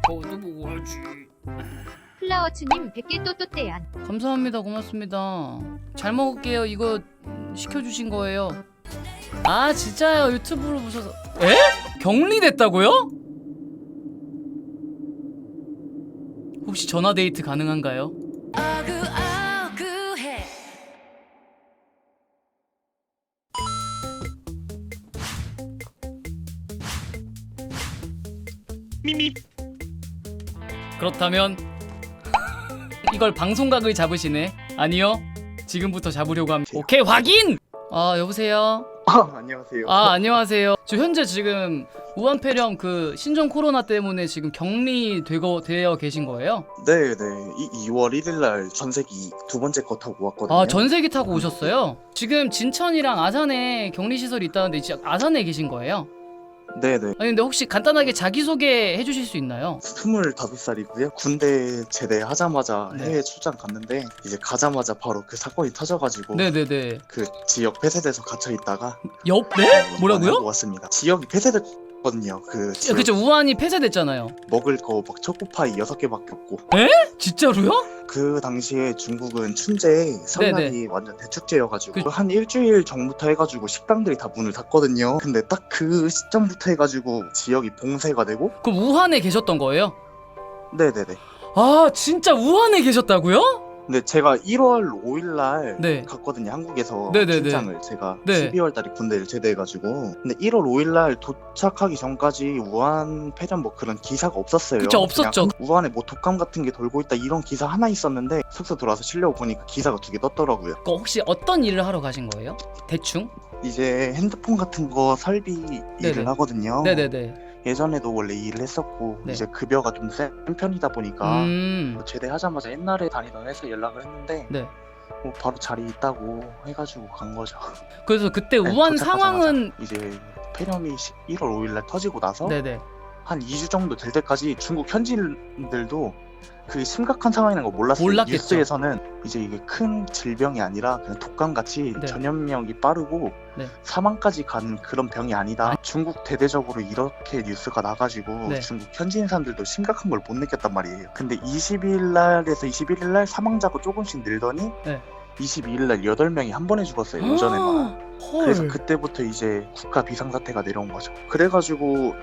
또 먹어야지. 플라워츠님 100개 또또떼안. 감사합니다. 고맙습니다. 잘 먹을게요. 이거 시켜주신 거예요. 아 진짜요? 유튜브로 보셔서. 에? 격리됐다고요? 혹시 전화데이트 가능한가요? 미미. 그렇다면 이걸 방송각을 잡으시네. 아니요, 지금부터 잡으려고 합니다. 오케이, 확인! 아 여보세요? 안녕하세요. 아 안녕하세요. 저 현재 지금 우한폐렴 그 신종 코로나 때문에 지금 격리되어 계신 거예요? 네네. 2월 1일날 전세기 두 번째 거 타고 왔거든요. 아 전세기 타고 오셨어요? 지금 진천이랑 아산에 격리시설이 있다는데 지금 아산에 계신 거예요? 네네. 아니 근데 혹시 간단하게 자기소개 해주실 수 있나요? 25살이고요. 군대 제대하자마자 네. 해외 출장 갔는데 이제 가자마자 바로 그 사건이 터져가지고 네네네. 그 지역 폐쇄돼서 gat혀 있다가 옆? 네? 뭐라고요? 하고 왔습니다. 지역이 폐쇄됐거든요. 그 지역 그쵸, 우한이 폐쇄됐잖아요. 먹을 거 막 초코파이 6개밖에 없고. 진짜로요? 그 당시에 중국은 춘제에 설날이 네네. 완전 대축제여가지고 한 일주일 전부터 해가지고 식당들이 다 문을 닫거든요. 근데 딱 그 시점부터 해가지고 지역이 봉쇄가 되고. 그럼 우한에 계셨던 거예요? 네네네. 아 진짜 우한에 계셨다고요? 근데 제가 1월 5일날 네. 갔거든요. 한국에서 네네네. 출장을. 제가 네. 12월달에 군대를 제대해가지고. 근데 1월 5일날 도착하기 전까지 우한 폐렴 뭐 그런 기사가 없었어요. 그쵸, 없었죠. 그냥 우한에 뭐 독감 같은 게 돌고 있다 이런 기사 하나 있었는데 숙소 들어와서 치려고 보니까 기사가 2개 떴더라고요. 그 혹시 어떤 일을 하러 가신 거예요? 대충? 이제 핸드폰 같은 거 설비 네네. 일을 하거든요. 네네네. 예전에도 원래 일을 했었고 네. 이제 급여가 좀 센 편이다 보니까 제대하자마자 옛날에 다니던 회사 연락을 했는데 네. 뭐 바로 자리 있다고 해가지고 간 거죠. 그래서 그때 네, 우한 도착하자마자. 상황은 이제 폐렴이 1월 5일날 터지고 나서 네네. 한 2주 정도 될 때까지 중국 현지인들도 그 심각한 상황이라는 거 몰랐어요. 몰랐겠죠. 뉴스에서는 이제 이게 큰 질병이 아니라 그냥 독감같이 네. 전염력이 빠르고 네. 사망까지 가는 그런 병이 아니다. 중국 대대적으로 이렇게 뉴스가 나가지고 네. 중국 현지인 사람들도 심각한 걸 못 느꼈단 말이에요. 근데 20일날에서 21일날 사망자가 조금씩 늘더니 네. 22일날 8명이 한 번에 죽었어요. 오전에만. 헐. 그래서 그때부터 이제 국가 비상사태가 내려온 거죠. 그래가지고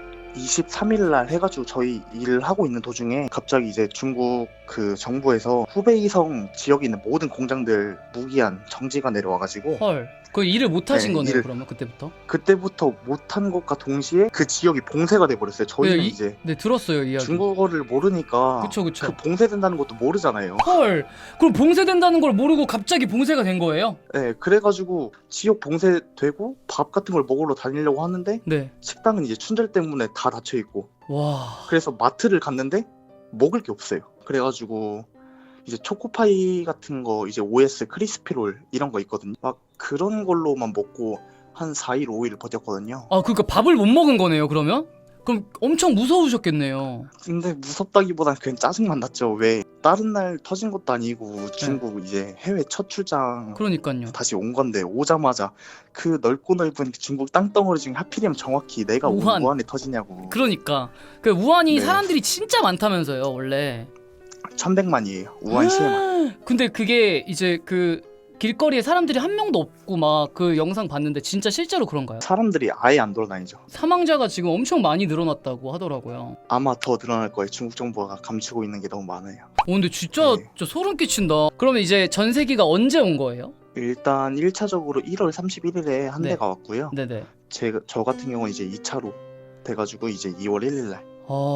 23일날 해가지고 저희 일을 하고 있는 도중에 갑자기 이제 중국 그 정부에서 후베이성 지역에 있는 모든 공장들 무기한 정지가 내려와가지고 헐. 그 일을 못 하신 네, 거네요. 일을- 그러면 그때부터. 그때부터 못한 것과 동시에 그 지역이 봉쇄가 돼버렸어요. 저희는 네, 이제 네 들었어요 이야기. 중국어를 모르니까 그쵸 그쵸. 그 봉쇄된다는 것도 모르잖아요. 헐. 그럼 봉쇄된다는 걸 모르고 갑자기 봉쇄가 된 거예요? 네, 그래가지고 지역 봉쇄되고 밥 같은 걸 먹으러 다니려고 하는데 네. 식당은 이제 춘절 때문에 다 닫혀 있고. 와. 그래서 마트를 갔는데 먹을 게 없어요. 그래가지고 이제 초코파이 같은 거 이제 OS 크리스피롤 이런 거 있거든요. 막 그런 걸로만 먹고 한 4일 5일 버텼거든요. 아 그러니까 밥을 못 먹은 거네요 그러면? 그럼 엄청 무서우셨겠네요. 근데 무섭다기보단 그냥 짜증만 났죠. 왜 다른 날 터진 것도 아니고 중국 이제 해외 첫 출장 그러니까요. 다시 온 건데 오자마자 그 넓고 넓은 중국 땅덩어리 중에 하필이면 정확히 내가 우한. 우한에 터지냐고. 그러니까 그 우한이 네. 사람들이 진짜 많다면서요 원래. 1100만이에요. 우한 시에만. 근데 그게 이제 그 길거리에 사람들이 한 명도 없고 막 그 영상 봤는데 진짜 실제로 그런가요? 사람들이 아예 안 돌아다니죠. 사망자가 지금 엄청 많이 늘어났다고 하더라고요. 아마 더 늘어날 거예요. 중국 정부가 감추고 있는 게 너무 많아요. 근데 진짜 네. 저 소름 끼친다. 그러면 이제 전세기가 언제 온 거예요? 일단 1차적으로 1월 31일에 한 네. 대가 왔고요. 네네. 저 같은 경우는 이제 2차로 돼가지고 이제 2월 1일날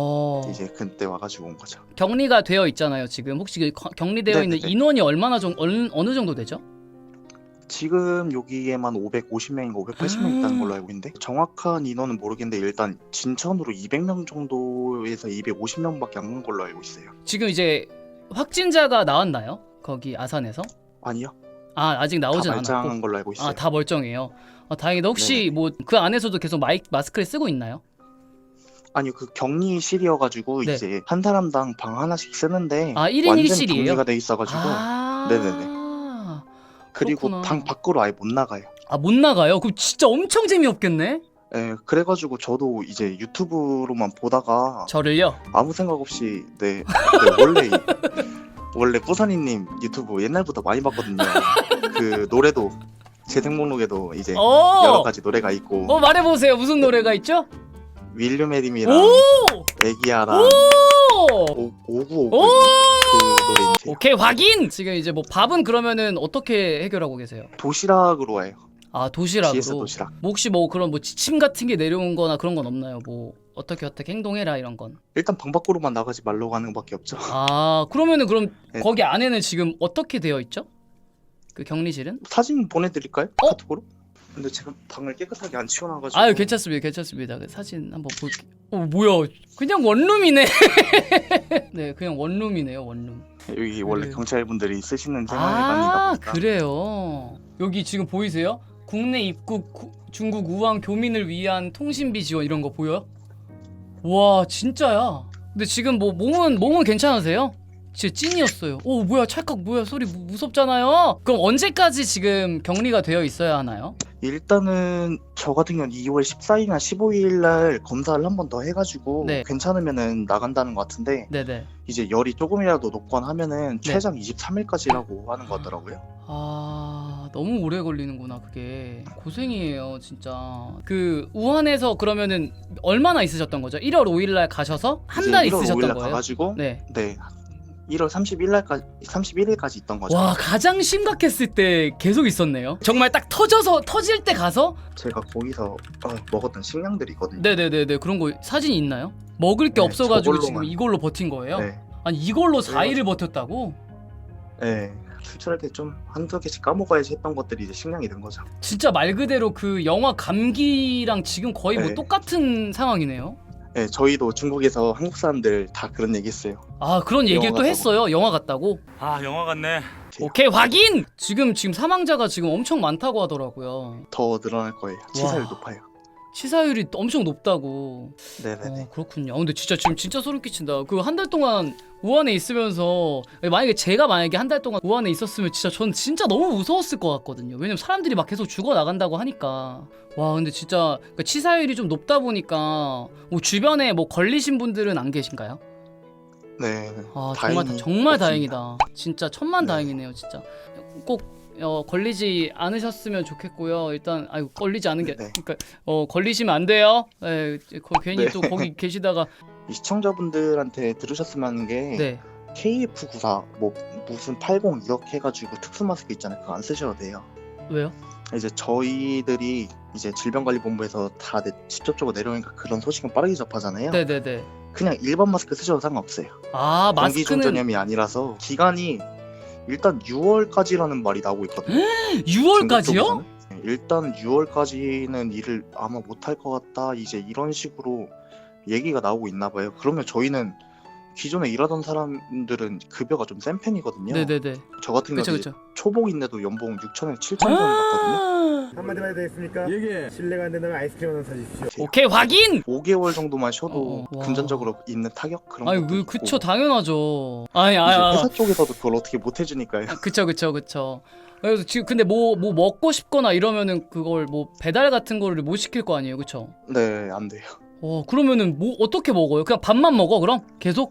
이제 그때 와가지고 온 거죠. 격리가 되어 있잖아요 지금. 혹시 그 격리되어 있는 네네네. 인원이 어느 정도 되죠? 지금 여기에만 550명인가 580명 있다는 걸로 알고 있는데 정확한 인원은 모르겠는데 일단 진천으로 200명 정도에서 250명밖에 안 간 걸로 알고 있어요. 지금 이제 확진자가 나왔나요? 거기 아산에서? 아니요. 아 아직 다 나오진 말짱한 않았고. 걸로 알고 있어요. 아 다 멀쩡해요. 아 다행이다. 혹시 네네. 뭐 그 안에서도 계속 마스크를 쓰고 있나요? 아니요. 그 격리실이어가지고 네. 이제 한 사람당 방 하나씩 쓰는데 아 1인 완전 1실이에요? 격리가 돼 있어가지고 네네네. 그리고 그렇구나. 방 밖으로 아예 못 나가요. 아 못 나가요? 그럼 진짜 엄청 재미없겠네? 예, 그래가지고 저도 이제 유튜브로만 보다가 저를요? 아무 생각 없이 네, 원래 뿌사니님 유튜브 옛날부터 많이 봤거든요. 그 노래도 재생 목록에도 이제 여러 가지 노래가 있고 말해보세요. 무슨 노래가 있죠? 윌리엄 에림이랑 오! 애기야랑 오! 5959 오! 그 노래인지 오케이, 확인! 지금 이제 뭐 밥은 그러면은 어떻게 해결하고 계세요? 도시락으로 해요. 아, GS 도시락으로. 도시락. 뭐 혹시 뭐 그런 뭐 지침 같은 게 내려온 거나 그런 건 없나요? 뭐 어떻게 행동해라 이런 건. 일단 방 밖으로만 나가지 말라고 하는 것밖에 없죠. 아, 그러면은 그럼 네. 거기 안에는 지금 어떻게 되어 있죠? 그 격리실은? 사진 보내드릴까요? 어? 카톡으로? 근데 제가 방을 깨끗하게 안 치워놔가지고 아유, 괜찮습니다. 그 사진 한번 볼게요. 뭐야? 그냥 원룸이네. 네, 그냥 원룸이네요, 원룸. 여기 원래 네. 경찰분들이 쓰시는 생활관이다 보니까 그래요. 여기 지금 보이세요? 국내 입국 중국 우한 교민을 위한 통신비 지원 이런 거 보여요? 와, 진짜야. 근데 지금 뭐 몸은 괜찮으세요? 진짜 찐이었어요. 오, 뭐야, 찰칵 뭐야, 소리 무섭잖아요. 그럼 언제까지 지금 격리가 되어 있어야 하나요? 일단은 저 같은 경우는 2월 14일이나 15일 날 검사를 한 번 더 해가지고 네. 괜찮으면은 나간다는 것 같은데 네네. 이제 열이 조금이라도 높거나 하면은 네. 최장 23일까지라고 하는 것 같더라고요. 아, 너무 오래 걸리는구나. 그게 고생이에요 진짜. 그 우한에서 그러면은 얼마나 있으셨던 거죠? 1월 5일 날 가셔서 한 달 이제 1월 있으셨던 5일 날 거예요? 가가지고 네. 1월 31일까지 있던 거죠. 와, 가장 심각했을 때 계속 있었네요. 정말 딱 터질 때 가서. 제가 거기서 먹었던 식량들이 있거든요. 네네네네. 그런 거 사진이 있나요? 먹을 게 네, 없어가지고 지금 저걸로만. 이걸로 버틴 거예요? 네. 아니, 이걸로 그래가지고- 4일을 버텼다고? 네. 출출할 때 좀 한두 개씩 까먹어야지 했던 것들이 이제 식량이 된 거죠. 진짜 말 그대로 그 영화 감기랑 지금 거의 뭐 네. 똑같은 상황이네요. 네, 저희도 중국에서 한국 사람들 다 그런 얘기 했어요. 아, 그런 얘기를 영화 또 같다고. 했어요. 영화 같다고. 아 영화 같네. 오케이, 확인! 지금 사망자가 지금 엄청 많다고 하더라고요. 더 늘어날 거예요. 치사율 높아요. 치사율이 엄청 높다고. 네네네. 그렇군요. 근데 진짜 소름 끼친다. 그 한 달 동안 우한에 있으면서 제가 만약에 한 달 동안 우한에 있었으면 전 진짜 너무 무서웠을 것 같거든요. 왜냐면 사람들이 막 계속 죽어 나간다고 하니까. 와, 근데 진짜 그 치사율이 좀 높다 보니까 뭐 주변에 뭐 걸리신 분들은 안 계신가요? 네. 아, 다행히 정말 없습니다. 다행이다. 진짜 천만 네. 다행이네요, 진짜. 꼭 걸리지 않으셨으면 좋겠고요. 일단 걸리지 않은 게 네. 그러니까 걸리시면 안 돼요. 네, 괜히 네. 또 거기 계시다가 이 시청자분들한테 들으셨으면 하는 게 네. KF94 뭐 무슨 80 이렇게 해가지고 특수 마스크 있잖아요. 그거 안 쓰셔도 돼요. 왜요? 이제 저희들이 이제 질병관리본부에서 다 직접적으로 내려오니까 그런 소식은 빠르게 접하잖아요. 네네네. 그냥 일반 마스크 쓰셔도 상관없어요. 아, 공기 중 마스크는 전염이 아니라서 기간이 일단 6월까지라는 말이 나오고 있거든요. 6월까지요? 중국 쪽에서는. 네, 일단 6월까지는 일을 아마 못할 것 같다. 이제 이런 식으로 얘기가 나오고 있나 봐요. 그러면 저희는 기존에 일하던 사람들은 급여가 좀 센 편이거든요. 네네네. 저 같은 그쵸 경우는 그쵸. 초봉인데도 연봉 6천에서 7천 정도 받거든요. 한마디만 해도 되겠습니까? 얘기해. 실례가 안 된다면 아이스크림 하나 사주십시오. 오케이, 확인! 5개월 정도만 쉬어도 와. 금전적으로 있는 타격 그런 아니, 것도 있고. 그쵸, 당연하죠. 아니, 이제 회사 쪽에서도 그걸 어떻게 못 해주니까요. 그쵸. 그래서 지금 근데 뭐 먹고 싶거나 이러면은 그걸 뭐 배달 같은 거를 못 시킬 거 아니에요, 그쵸? 네, 안 돼요. 그러면은 뭐 어떻게 먹어요? 그냥 밥만 먹어, 그럼? 계속?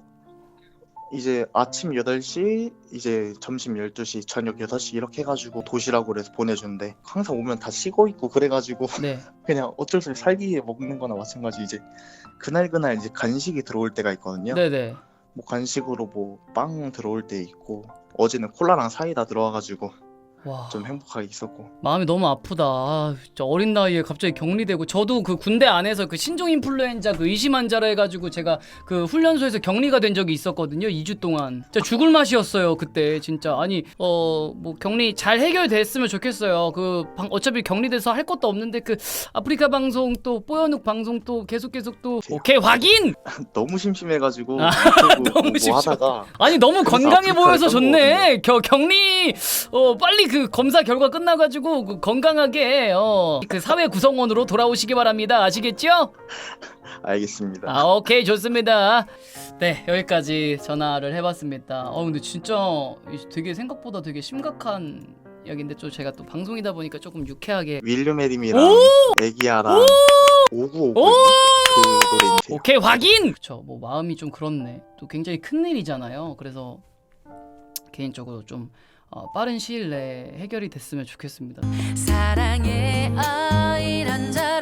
이제 아침 8시, 이제 점심 12시, 저녁 6시 이렇게 해가지고 도시락으로 해서 보내주는데 항상 오면 다 식어 있고 그래가지고 네. 그냥 어쩔 수 없이 살기 위해 먹는 거나 마찬가지. 이제 그날 이제 간식이 들어올 때가 있거든요. 네네. 뭐 간식으로 뭐 빵 들어올 때 있고 어제는 콜라랑 사이다 들어와가지고 와. 좀 행복하게 있었고. 마음이 너무 아프다. 아, 진짜 어린 나이에 갑자기 격리되고 저도 그 군대 안에서 그 신종 인플루엔자 그 의심 환자라 해가지고 제가 그 훈련소에서 격리가 된 적이 있었거든요. 2주 동안. 진짜 죽을 맛이었어요 그때 진짜. 아니 뭐 격리 잘 해결됐으면 좋겠어요. 어차피 격리돼서 할 것도 없는데 그 아프리카 방송 또 뽀연욱 방송 또 계속 또 오케이, 확인. 너무 심심해가지고 아, 유튜브 너무 뭐 심심해. 하다가 아니 너무 그래서 건강해 아프리카를 보여서 딴 좋네. 격리 빨리 그 검사 결과 끝나가지고 그 건강하게 그 사회 구성원으로 돌아오시기 바랍니다. 아시겠죠? 알겠습니다. 아, 오케이, 좋습니다. 네, 여기까지 전화를 해봤습니다. 근데 진짜 되게 생각보다 되게 심각한 이야기인데 또 제가 또 방송이다 보니까 조금 유쾌하게. 윌리엄 에림이랑 애기야랑 595 오! 그 노래인데요. 오케이 확인. 그쵸. 뭐 마음이 좀 그렇네. 또 굉장히 큰 일이잖아요. 그래서 개인적으로 좀 빠른 시일 내에 해결이 됐으면 좋겠습니다. 사랑의 어이런 저